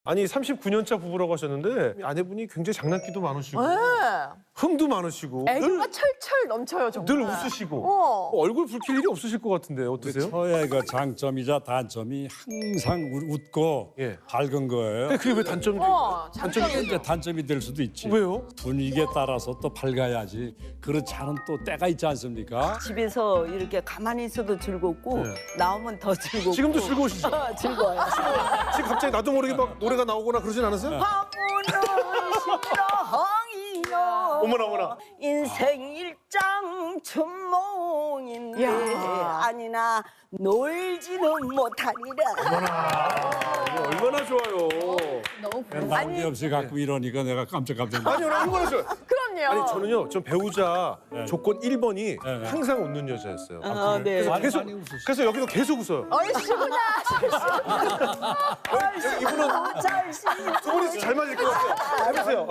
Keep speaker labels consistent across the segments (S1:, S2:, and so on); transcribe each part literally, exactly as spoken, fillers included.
S1: 아니 삼십구 년차 부부라고 하셨는데 아내분이 굉장히 장난기도 많으시고
S2: 네.
S1: 흥도 많으시고 늘,
S2: 애교가 철철 넘쳐요, 정말.
S1: 늘 웃으시고
S2: 어.
S1: 얼굴 붉힐 일이 없으실 것 같은데 어떠세요?
S3: 저의 그 장점이자 단점이 항상 우- 웃고
S1: 예.
S3: 밝은 거예요.
S1: 근데 그게 왜 단점이
S2: 어,
S1: 단점이
S2: 장점이
S3: 이제 단점이 될 수도 있지.
S1: 왜요?
S3: 분위기에 따라서 또 밝아야지. 그렇지 않은 또 때가 있지 않습니까?
S4: 집에서 이렇게 가만히 있어도 즐겁고
S1: 네.
S4: 나오면 더 즐겁고.
S1: 지금도 즐거우시죠?
S4: 어, 즐거워요.
S1: 지금 갑자기 나도 모르게 막 노래가 나오거나 그러진 않으세요?
S4: 화분은 심장이여
S1: 어머나 어머나
S4: 인생 일장 춘몽인데
S2: 야.
S4: 아니나 놀지는 못하리라.
S1: 이거 얼마나 좋아요.
S2: 너무 부러워.
S3: 난데없이 갖고 이러니까 내가 깜짝깜짝 놀랐어.
S1: 아니 얼마나 좋아요.
S2: 그럼요.
S1: 아니 저는요 전 배우자
S3: 네.
S1: 조건 일 번이
S3: 네, 네.
S1: 항상 웃는 여자였어요.
S4: 아, 네.
S1: 그래서
S3: 많이,
S1: 계속
S3: 많이 웃으시죠.
S1: 그래서 여기서 계속 웃어요.
S2: 얼씨구나.
S1: 이분은
S4: 잘시
S1: 두 분이 잘 맞을 것 같아요. 해보세요.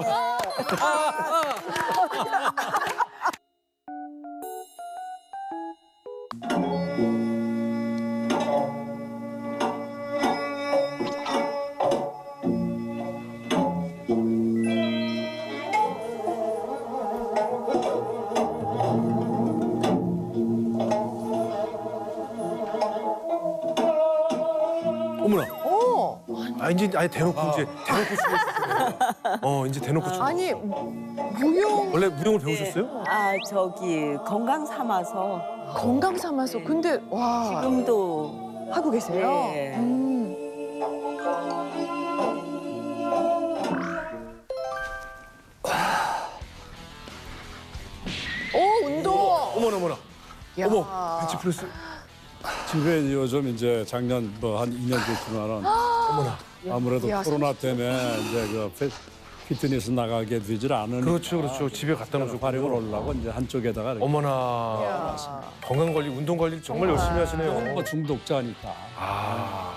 S1: 어머나.
S2: 어.
S1: 아 이제 아예 대놓고 이제 대놓고 춤을 추시네요. 어 이제 대놓고 춤.
S2: 아니, 무용
S1: 원래 무용을 배우셨어요?
S4: 아 저기 건강 삼아서
S2: 건강 삼아서. 근데, 와.
S4: 지금도
S2: 하고 계세요?
S4: 네.
S2: 음. 오, 운동.
S1: 어머나 어머나.
S2: 야.
S1: 어머 벤치프레스.
S3: 집에 요즘 이제 작년 뭐 한 이 년 됐지만은
S1: 어머나.
S3: 아무래도
S2: 야,
S3: 코로나 때문에 이제 그 피- 피트니스 나가게 되질 않으니까
S1: 그렇죠 그렇죠. 집에 갖다 놓으셨고.
S3: 활용을 하려고 이제 한쪽에다가 이렇게
S1: 어머나.
S2: 야.
S1: 건강 관리, 운동 관리 정말 열심히 하시네요.
S3: 뭐 중독자니까.
S1: 아.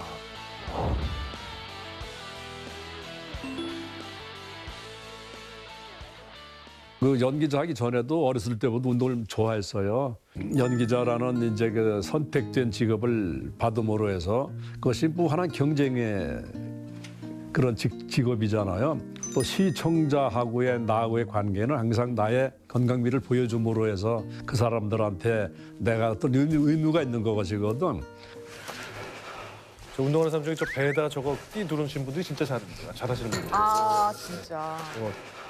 S3: 그 연기자 하기 전에도 어렸을 때부터 운동을 좋아했어요. 연기자라는 이제 그 선택된 직업을 받음으로 해서 그것이 무한한 경쟁의 그런 직, 직업이잖아요. 또 시청자하고의 나하고의 관계는 항상 나의 건강미를 보여줌으로 해서 그 사람들한테 내가 어떤 의미, 의무가 있는 것이거든.
S1: 저 운동하는 사람 중에 저 배에다 저거 띠 누르신 분들이 진짜 잘, 잘하시는 분들.
S2: 아, 진짜.
S1: 어.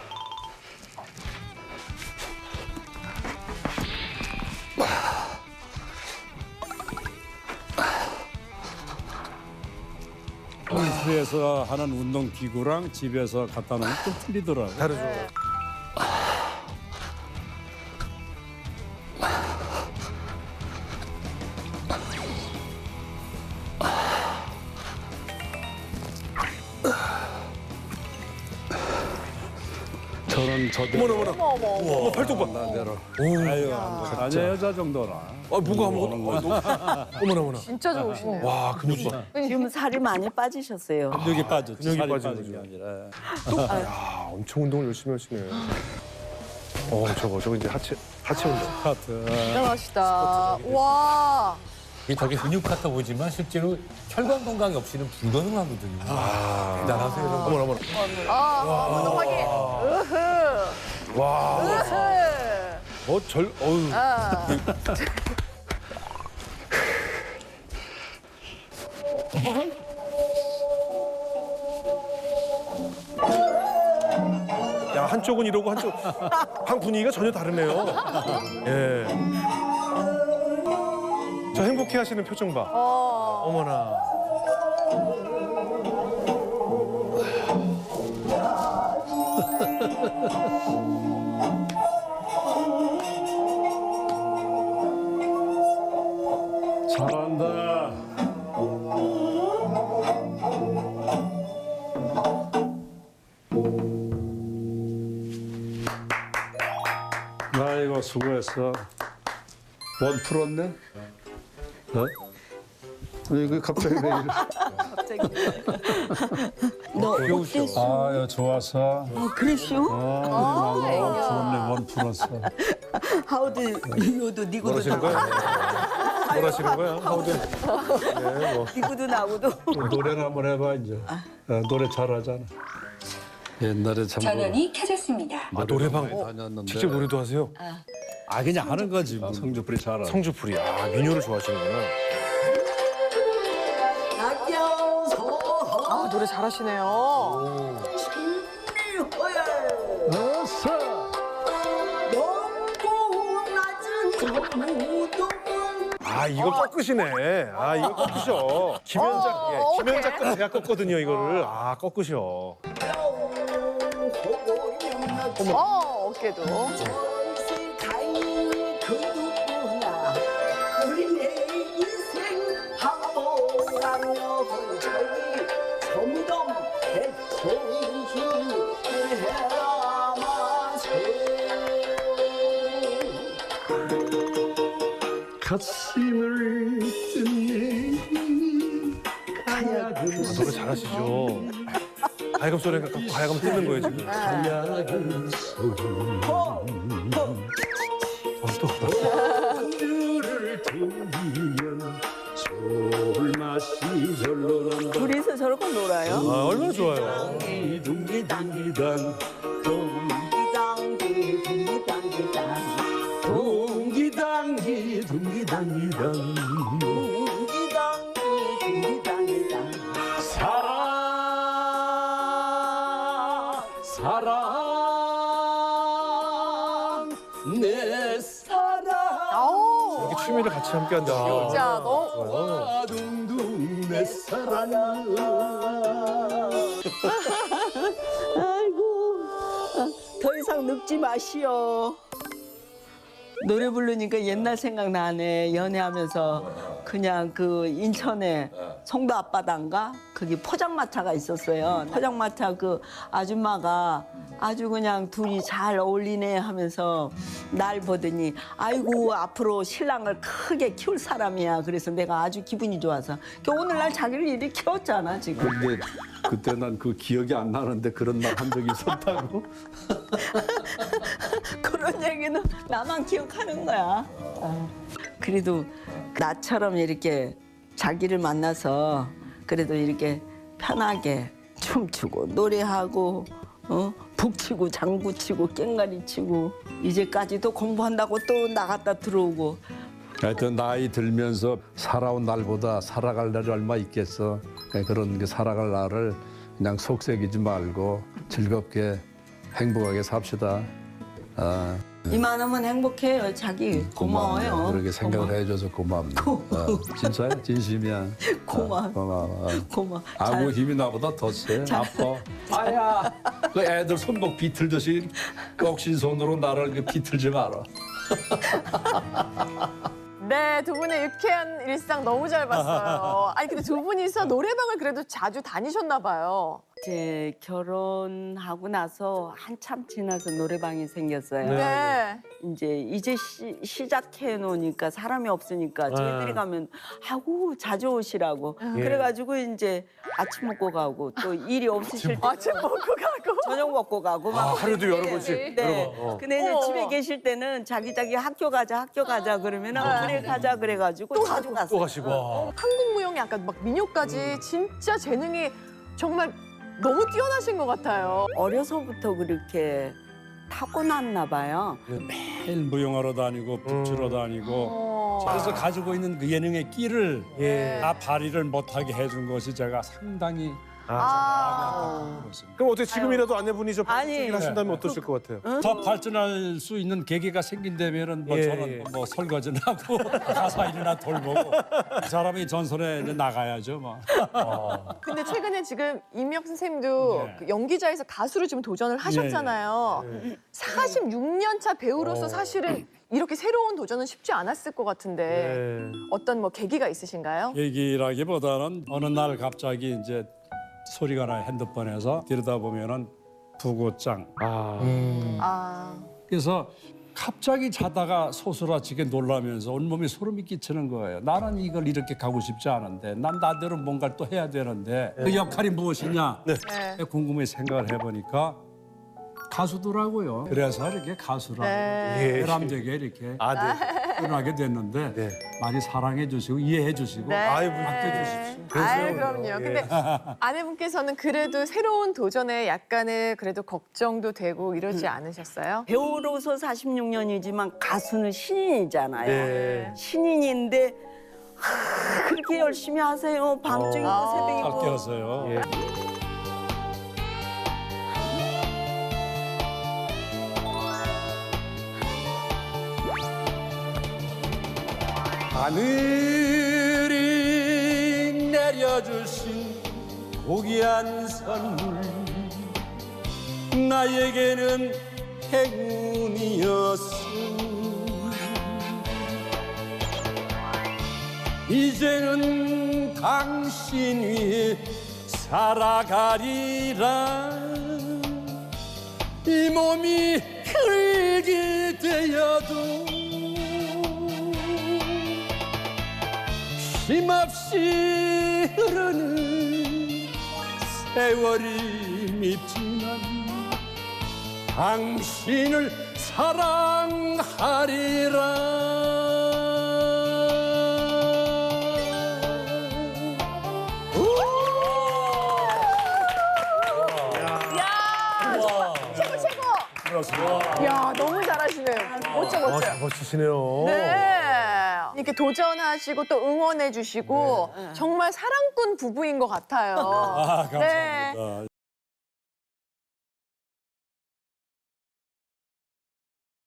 S3: 헬스에서 하는 운동 기구랑 집에서 갖다 놓으면 좀 틀리더라고요.
S1: 다르죠.
S3: 저는 저대로
S1: 어머나 어머나.
S2: 어머, 어머.
S1: 어머 팔뚝 봐.
S3: 나대로.
S1: 오.
S3: 아유, 아니 여자 정도나.
S1: 아 뭐가 아무것도. 어머나 어머나.
S2: 진짜 좋으시네.
S1: 와 근육 봐.
S4: 지금 살이 많이 빠지셨어요.
S3: 근육이 빠졌지.
S1: 근육이
S3: 살이
S1: 빠지는
S3: 빠진 게
S1: 거죠.
S3: 아니라.
S1: 야 엄청 운동을 열심히 하시네. 어 저거 저거 이제 하체 하체 운동.
S3: 스타트.
S2: 대단하시다. 와.
S5: 이게 저게 근육 같아 보이지만 실제로 혈관 건강이 없이는 불가능하거든요.
S1: 아
S5: 대단하세요.
S1: 어머나 어머나.
S2: 아, 운동하기. 으흐.
S1: 와.
S2: 으흐.
S1: 어절 어우.
S2: 아.
S1: 야 한쪽은 이러고 한쪽 한 분위기가 전혀 다르네요. 예. 저 행복해 하시는 표정 봐.
S2: 어.
S1: 어머나.
S3: 잘한다. 아이고 수고했어. 원 풀었네? 어? 이거 갑자기 왜 이래?
S4: 너 어땠어?
S3: 아유 좋았어.
S4: 어, 그랬슈?
S3: 아, 부럽네 원 풀었어.
S4: 하우드 이거도 니고도
S1: 그러시는
S4: 다
S1: 거예요? 원하시는 거야? 하우드. 네, 뭐.
S4: 이구도 나구도.
S3: 노래를 한번 해봐 이제. 어, 노래 잘하잖아. 옛날에 참
S6: 전원이 켜졌습니다.
S1: 아, 노래방
S3: 많이 다녔는데.
S1: 직접 노래도 하세요?
S3: 아 그냥 하는 거지. 뭐. 성주풀이 잘하는.
S1: 성주풀이. 아, 민요를 좋아하시는구나.
S2: 아, 노래 잘하시네요.
S1: 아, 이거 꺾으시네. 아, 이거 꺾으셔. 김현작,
S2: 어,
S1: 예,
S2: 오케이.
S1: 김현작 제가 꺾거든요, 이거를. 아, 꺾으셔.
S2: 어, 어깨도.
S3: 가슴을 뜯네.
S1: 아, 노래 잘하시죠. 가야금 소리가 갖고 가야금 뜨는 거예요, 지금.
S3: 가야금 소리를 들리면 솔맛이 절로 난다.
S4: 둘이서 저렇게 놀아요?
S1: 아, 얼마나 좋아요.
S3: 둥기둥기단
S4: 둥기당기 둥기당기당
S3: 둥기당기 둥기당기단
S4: 둥기당기 둥기당기당
S3: 사랑 사랑 내 사랑
S2: 아우,
S1: 이렇게 취미를 같이 함께 한다.
S2: 진짜 너무.
S1: 좋아요.
S3: 둥둥 내 사랑
S4: 아이고 더 이상 늙지 마시오. 노래 부르니까 옛날 생각나네. 연애하면서 그냥 그 인천에 송도 앞바다인가 거기 포장마차가 있었어요. 포장마차 그 아줌마가 아주 그냥 둘이 잘 어울리네 하면서 날 보더니 아이고 앞으로 신랑을 크게 키울 사람이야. 그래서 내가 아주 기분이 좋아서 오늘날 자기를 이렇게 키웠잖아 지금.
S3: 근데 그때 난 그 기억이 안 나는데 그런 말 한 적이 있었다고?
S4: 그런 얘기는 나만 기억하는 거야. 어. 그래도 나처럼 이렇게 자기를 만나서 그래도 이렇게 편하게 춤추고 노래하고 어? 북치고 장구치고 깽가리 치고 이제까지도 공부한다고 또 나갔다 들어오고
S3: 하여튼 나이 들면서 살아온 날보다 살아갈 날이 얼마 있겠어. 그런 게 살아갈 날을 그냥 속색이지 말고 즐겁게 행복하게 삽시다. 아,
S4: 이만하면 행복해요. 자기 고마워요.
S3: 그렇게 생각을 해줘서 고맙네. 어, 진짜야? 진심이야.
S4: 고마워.
S3: 어, 고마워.
S4: 고마워.
S3: 아무
S4: 잘-
S3: 힘이 나보다 더 세. 아파. 아야. 그 애들 손목 비틀듯이 꺽신 손으로 나를 그 비틀지 마라.
S2: 네, 두 분의 유쾌한 일상 너무 잘 봤어요. 아니, 근데 두 분이서 노래방을 그래도 자주 다니셨나 봐요.
S4: 이제 결혼하고 나서 한참 지나서 노래방이 생겼어요.
S2: 네.
S4: 이제 이제 시, 시작해 놓으니까 사람이 없으니까 저희들이 가면 하고 자주 오시라고 그래가지고 이제 아침 먹고 가고 또 일이 없으실 때
S2: 아침 먹고 가고.
S4: 저녁 먹고 가고 막
S1: 아, 하루도 여러 번씩.
S4: 네.
S1: 여러 번. 어.
S4: 근데 이제
S2: 어머,
S4: 집에
S2: 어머.
S4: 계실 때는 자기 자기 학교 가자 학교 가자 그러면은 그래 가자 그래가지고 자주
S1: 또
S4: 갔어요.
S1: 가시고.
S2: 한국 무용이 아까 막 민요까지 진짜 재능이 정말 너무 뛰어나신 것 같아요.
S4: 어려서부터 그렇게 타고났나 봐요.
S3: 매일 무용하러 다니고 북주러 다니고
S2: 어.
S3: 그래서 가지고 있는 그 예능의 끼를
S1: 예.
S3: 다 발휘를 못하게 해준 것이 제가 상당히
S2: 아.
S3: 그렇습니다.
S1: 그럼 어떻게 지금이라도 아내분이 저
S4: 아니.
S1: 방송을 하신다면 어떠실 것 같아요?
S3: 더 발전할 수 있는 계기가 생긴다면은 뭐
S1: 예,
S3: 저는
S1: 예.
S3: 뭐 설거지나 하고 가사 일이나 돌보고 그 사람이 전선에 이제 나가야죠 뭐.
S2: 근데 최근에 지금 임혁 선생님도
S3: 네.
S2: 그 연기자에서 가수로 지금 도전을 하셨잖아요.
S1: 예.
S2: 사십육 년 차 배우로서
S1: 어.
S2: 사실은 이렇게 새로운 도전은 쉽지 않았을 것 같은데
S1: 네.
S2: 어떤 뭐 계기가 있으신가요?
S3: 얘기라기보다는 어느 날 갑자기 이제 소리가 나 핸드폰에서 들여다 보면은 부고장.
S1: 아.
S2: 아,
S3: 그래서 갑자기 자다가 소스라치게 놀라면서 온몸이 소름이 끼치는 거예요. 나는 이걸 이렇게 가고 싶지 않은데 난 나대로 뭔가를 또 해야 되는데 그 역할이 무엇이냐
S2: 네.
S3: 궁금해 생각을 해보니까 가수더라고요. 그래서 이렇게 가수라
S2: 네.
S1: 예.
S3: 외람되게 이렇게
S1: 아, 네.
S3: 결혼하게 됐는데
S1: 네.
S3: 많이 사랑해 주시고 이해해 주시고
S2: 네.
S1: 아이고,
S3: 아껴주십시오.
S2: 아유,
S1: 그러세요.
S2: 그럼요.
S1: 예.
S2: 근데 아내분께서는 그래도 새로운 도전에 약간의 그래도 걱정도 되고 이러지 않으셨어요?
S4: 배우로서 사십육 년이지만 가수는 신인이잖아요.
S1: 네.
S4: 신인인데 하, 그렇게 열심히 하세요. 밤중이고
S2: 어.
S4: 새벽이고.
S3: 아껴서요.
S1: 예.
S3: 하늘이 내려주신 고귀한 선물 나에게는 행운이었어. 이제는 당신 위해 살아가리라. 이 몸이 흙이 되어도 쉼없이 흐르는 세월이 밉지만 당신을 사랑하리라.
S2: 야, 최고 최고. 야, 너무 잘하시네요. 멋져
S1: 아,
S2: 멋져.
S1: 잘 버티시네요.
S2: 네. 이렇게 도전하시고 또 응원해 주시고 정말 사랑꾼 부부인 것 같아요.
S3: 아, 감사합니다.
S2: 네.